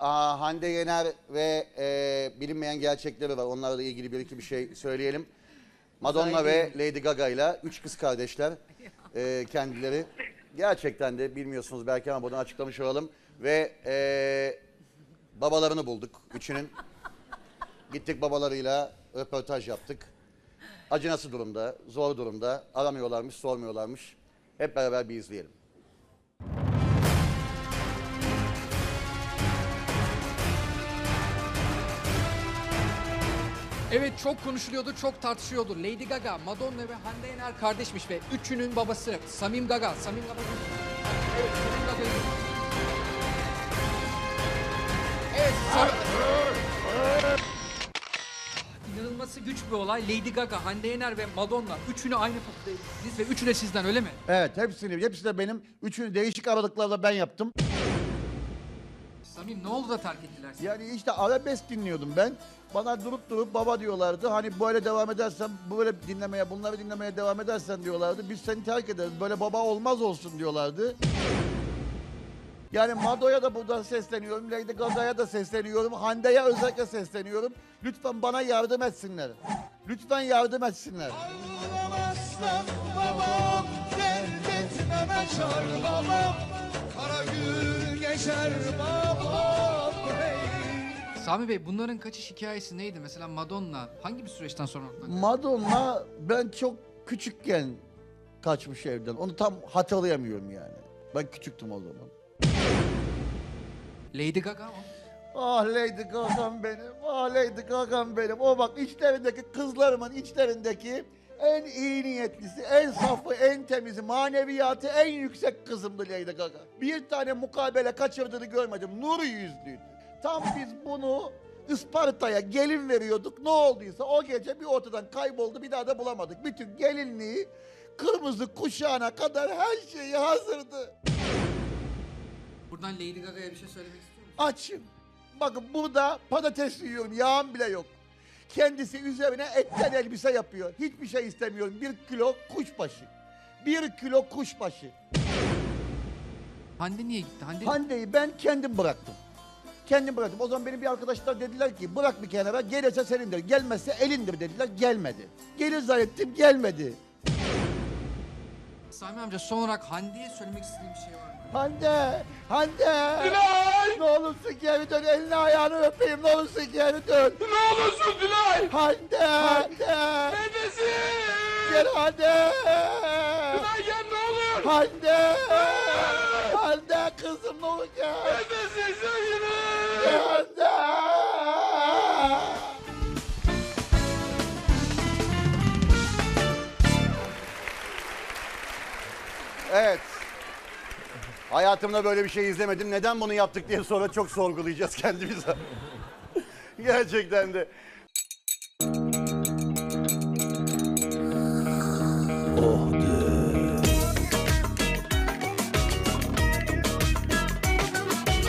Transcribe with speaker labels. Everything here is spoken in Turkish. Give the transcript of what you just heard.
Speaker 1: Hande Yener ve bilinmeyen gerçekleri var. Onlarla ilgili bir iki bir şey söyleyelim. Madonna ve Lady Gaga ile 3 kız kardeşler kendileri. Gerçekten de bilmiyorsunuz belki ama bunu açıklamış olalım. Ve babalarını bulduk üçünün. Gittik babalarıyla röportaj yaptık. Acı nasıl durumda, zor durumda, aramıyorlarmış, sormuyorlarmış. Hep beraber bir izleyelim.
Speaker 2: Evet, çok konuşuluyordu, çok tartışıyordu. Lady Gaga, Madonna ve Hande Yener kardeşmiş ve üçünün babası Samim Gaga. Samim Gaga. Evet, Samim Gaga. Evet, İnanılması güç bir olay. Lady Gaga, Hande Yener ve Madonna üçünü aynı potada ezdiniz ve üçü de sizden, öyle mi?
Speaker 3: Evet, hepsi de benim. Üçünü değişik aralıklarla ben yaptım.
Speaker 2: Samim, ne oldu da terk ettiler sizi?
Speaker 3: Yani işte arabesk dinliyordum ben. Bana durup baba diyorlardı. Hani böyle devam edersen, böyle dinlemeye, bunları dinlemeye devam edersen diyorlardı. Biz seni terk ederiz. Böyle baba olmaz olsun diyorlardı. Yani Mado'ya da buradan sesleniyorum. Lady Gaga'ya da sesleniyorum. Hande'ye özellikle sesleniyorum. Lütfen bana yardım etsinler. Lütfen yardım etsinler.
Speaker 4: Ağlamazsam babam, dert etmeme çar babam, kara gün geçer babam, hey.
Speaker 2: Sami Bey, bunların kaçış hikayesi neydi? Mesela Madonna hangi bir süreçten sonra ortadan kaçtı?
Speaker 3: Madonna ben çok küçükken kaçmış evden. Onu tam hatırlayamıyorum yani. Ben küçüktüm o zaman.
Speaker 2: Lady Gaga mı?
Speaker 3: Ah Lady Gaga'm benim, ah Lady Gaga'm benim. O bak içlerindeki kızlarımın içlerindeki en iyi niyetlisi, en safı, en temizi, maneviyatı en yüksek kızımdı Lady Gaga. Bir tane mukabele kaçırdığını görmedim, nur yüzlüydü. Tam biz bunu Isparta'ya gelin veriyorduk, ne olduysa o gece bir ortadan kayboldu, bir daha da bulamadık. Bütün gelinliği, kırmızı kuşağına kadar her şeyi hazırdı.
Speaker 2: Buradan Lady Gaga'ya bir şey söylemek istiyor musun?
Speaker 3: Açım. Bakın burada patates yiyorum, yağım bile yok. Kendisi üzerine etten elbise yapıyor. Hiçbir şey istemiyorum. 1 kilo kuşbaşı. 1 kilo kuşbaşı.
Speaker 2: Hande niye gitti?
Speaker 3: Hande'yi ben kendim bıraktım. Kendim bıraktım. O zaman benim bir arkadaşlar dediler ki bırak bir kenara, gelirse senindir, gelmezse elindir dediler. Gelmedi. Gelir zannettim, gelmedi.
Speaker 2: Sami amca, son olarak Hande'ye söylemek istediğim bir şey var mı?
Speaker 3: Hande! Hande!
Speaker 4: Dilay!
Speaker 3: Ne olursun geri dön, elini ayağını öpeyim, ne olursun geri dön.
Speaker 4: Ne olursun Dilay!
Speaker 3: Hande! Hande!
Speaker 4: Neredesin?
Speaker 3: Gel Hande!
Speaker 4: Dilay gel, ne olur!
Speaker 3: Hande! Hande kızım ne olur gel!
Speaker 4: Neredesin sevgilim?
Speaker 3: Gel Hande!
Speaker 1: Evet. Hayatımda böyle bir şey izlemedim. Neden bunu yaptık diye sonra çok sorgulayacağız kendimize. Gerçekten de.
Speaker 5: Oh